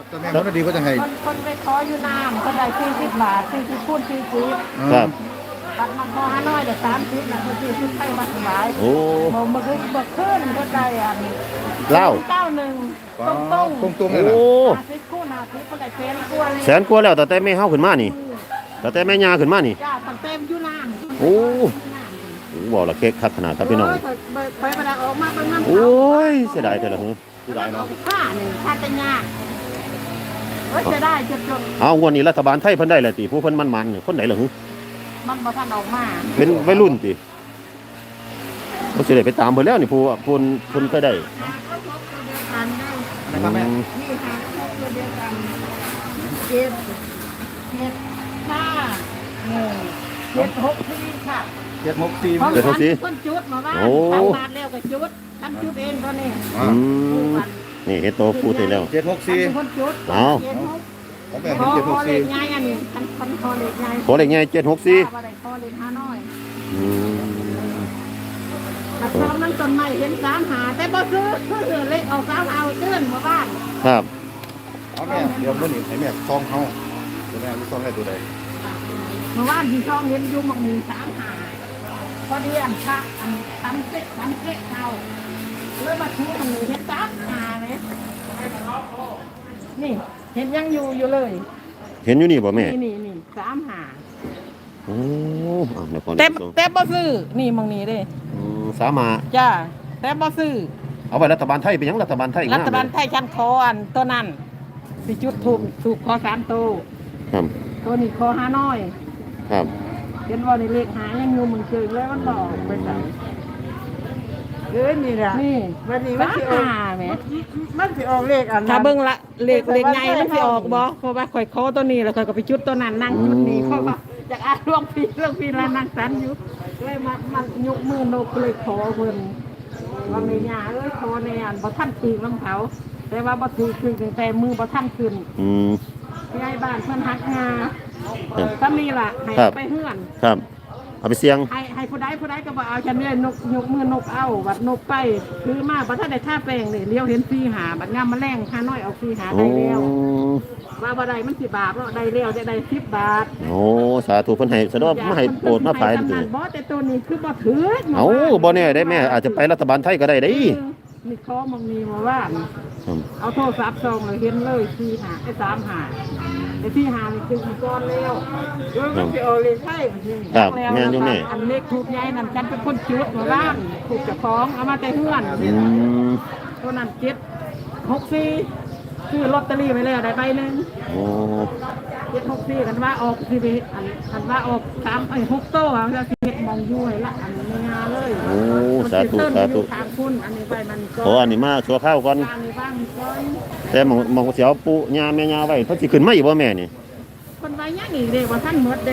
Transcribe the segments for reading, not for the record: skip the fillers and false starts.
ตอนแม่คนดีก็จะให้คนไปขออยู่น้ำคนได้40 บาท40คูณ40 ครับตัดมาพอ5น้อยเดี๋ยว30นะคนที่ขึ้นไปวัดสบายโอ้บ่มาขึ้นก็ได้อันเล่า 91ตรงเลยโอ้ 50คูณ50ก็ได้1,000 แสนกว่าแล้วแต่แม่เฮาขึ้นมานี่แต่แม่ยาขึ้นมานี่จ้าตั้งเต็มอยู่น้ำโอ้บอกละเค้กคักขนาดครับพี่น้องไปประดาออกมาเป็นน้ำโอ้ยเสียดายแต่ละหือเสียดายเนาะค่าหนึ่งค่าจะยากจะได้จนเอางวดนี้รัฐบาลไทยเพิ่นได้แหละติผู้เพิ่นมันๆคนไหนล่ะหือมันบ่ทันออกมาเป็นวัยรุ่นติบ่สิได้ไปตามเพิ่นแล้วนี่ผู้เพิ่นเคยได้นะครับแม่นี่ค่ะตัวเดียวกันเจ็ดห้า7 6ที่ค่ะ 764 ต้นจุดมาบ้านทำบาทแล้วก็จุดทำจุดเองตอนนี้นี่เฮ็ดโตพูดได้แล้ว 764 คนจุดเอาของแม่ขอเล็ก 764 ง่ายอันนี้ขอเล็กง่ายขอเลขใหญ่764 ขอเล็ก5น้อยแต่ตอนนั้นต้นไม้เห็น3 หาแต่บ่ซื้อเล็กเอา3เอาเตือนมาบ้านครับเอาแม่เดี๋ยวมื้อนี้ให้แม่ซองเฮาตัวแม่ซองให้ตัวใดเมื่อวานที่ช่องเห็นอยู่มันมี3 หาพอดีอันชักอันทำเก๊กเอาเลยมาชูมันเห็น3 หาไหมนี่เห็นยังอยู่เลยเห็นอยู่นี่บ่แม่นี่3 หาโอ้เดี๋ยวก่อนแต่บ่ซื้อนี่มองนี้เด้สามาจ้าแต่บ่ซื้อเอาไว้รัฐบาลไทยเป็นหยังรัฐบาลไทยรัฐบาลไทยชั้นคออันตัวนั้นสิจุดถูกคอ3 ตัวครับตัวนี้คอ5น้อยครับเห็นว่าในเลขหายังอยู่มึงเจอเลยมันบอกไปใส่นี่แหละนี่วันนี้มันสิออกแหมมันสิออกเลขอันถ้าเบิ่งละเลขใหญ่มันสิออกบ่เพราะว่าข่อยคอตัวนี้แล้วข่อยก็ไปจุดตัวนั้นนั่งจุดนี้เพราะว่าอยากอ่านเรื่องพี่แล้วนั่งสันอยู่เลยมันยกมือนกเลยขอเพิ่นว่าแม่ย่าเอ้ยขอในอันบ่ทันตีของเขาแต่ว่าบ่ถือคือแต่มือบ่ทันขึ้นยายบ้านเพิ่นฮักงาถ้ามีล่ะให้ไปเฮือนครับเอาไปเสียงให้ผู้ใดก็บอกเอาฉันเนี่ยนกยกมือนกเอาบัดนกไปคือมาบัดถ้าได้ท่าแป้งนี่เลี้ยวเห็น4 หาบัดงามมาแรง5น้อยเอา4 หาได้แล้วว่าบ่ได้มัน10 บาทแล้วได้แล้วได้10 บาทโอ้สาธุเพิ่นให้สะดอกมาให้โปรดมาภายนี่บ่แต่ตัวนี้คือบ่ถือเอ้าบ่แน่ได้แม่อาจจะไปรัฐบาลไทยก็ได้เด้นี่ขอมองมีมาว่าเอาโทรศัพท์ส่องเลยเห็นเลย4 หาไอ้3 หาไอ้4 หานี่คือก้อนแล้วมันสิเอาเลยใช่ครับแม่นอยู่แม่อันเล็กถูกใหญ่นั่นฉันเป็นคนจุดมาบ้านถูกเจ้าของเอามาแต่เฮือนตัวนั้น764คือลอตเตอรี่ไปแล้วได้ใบนึงโอ้ 764กันว่าออกสิอันว่าออก6โต้อ่ะแล้วสิเฮ็ดมองอยู่ให้ละอันนี้งาเลยโอ้สาธุทางคุณอันนี้ไปมันก็ขออันนี้มาชั่วข้าวก่อนแต่มองเสียวปู่ย่าแม่ย่าไว้เพิ่นสิขึ้นมาอีกบ่แม่นี่เพิ่นไว้ยังอีกเด้ว่าท่านหมดเด้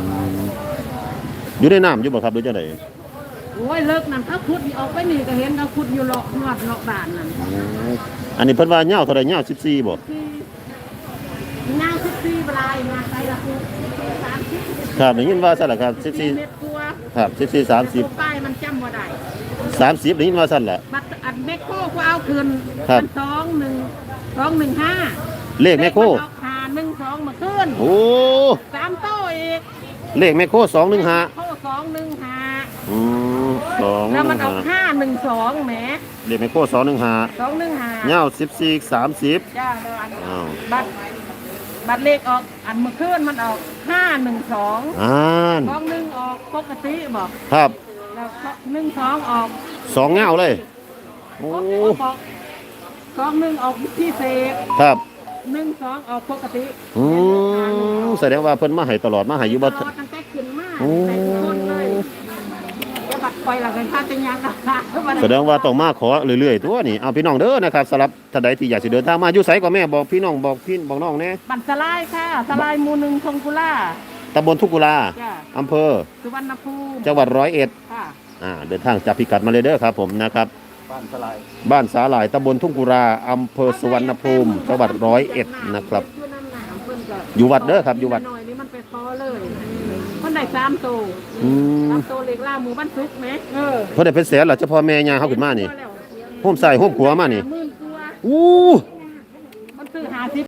อยู่ในน้ำอยู่บ่ครับหรือจังได๋โอ้ยเลิกนั่นเขาขุดออกไปนี่ก็เห็นเขาขุดอยู่เลาะนวดเลาะบ้านนั่นอันนี้เพิ่นว่ายาวเท่าใดยาว14บ่ยาว14ปลายมาใส่ละคุ30 ครับได้ยินว่าซั่นล่ะครับ 14เมตรกว่าครับ14 30 ป้ายมันจำบ่ได้ 30ได้ยินว่าซั่นล่ะบัตรอันแมคโครกูเอาคืน215 เลขแมคโคร 512มาคืนโอ้ 3โต้อีกเลขแมคโคร215 215แล้วมันเอา512แหมเลขแมคโคร215ยาว14 30 จ้าบัตรเลขออกอันเมื่อคืนมันออก51221ออกปกติบอกครับแล้ว12ออก 2เงาเลยโอ้ 21ออกพิเศษครับ 12ออกปกติแสดงว่าเพิ่นมาให้ตลอดมาให้อยู่บ่ตั้งแต่ขึ้นมาแต่ทุกคนเลยบัตรปล่อยหลังกันค่าจะยังแสดงว่าต้องมาขอเรื่อยๆตัวนี่เอาพี่น้องเด้อนะครับสำหรับท่านใดที่อยากสิเดินทางมาอยู่ไสก็แม่บอกพี่น้องบอกน้องแน่บัตรสลายค่ะสลายหมู่1ทงกุลาตำบลทุ่งกุลาอำเภอสุวรรณภูมิจังหวัด101ค่ะเดินทางจากพิกัดมาเลยเด้อครับผมนะครับบ้านสาหร่ายตำบลทุ่งกุลาอำเภอสุวรรณภูมิจังหวัด101นะครับอยู่วัดเด้อครับอยู่วัดนี่มันไปคอเลยมันได้3โต3โตเล็กล่าหมู่บ้านซุกแหมเพิ่นได้เป็นแสนล่ะเฉพาะแม่ย่าเฮาขึ้นมานี่โฮมใส่โฮมขัวมานี่อู้มันซื้อ50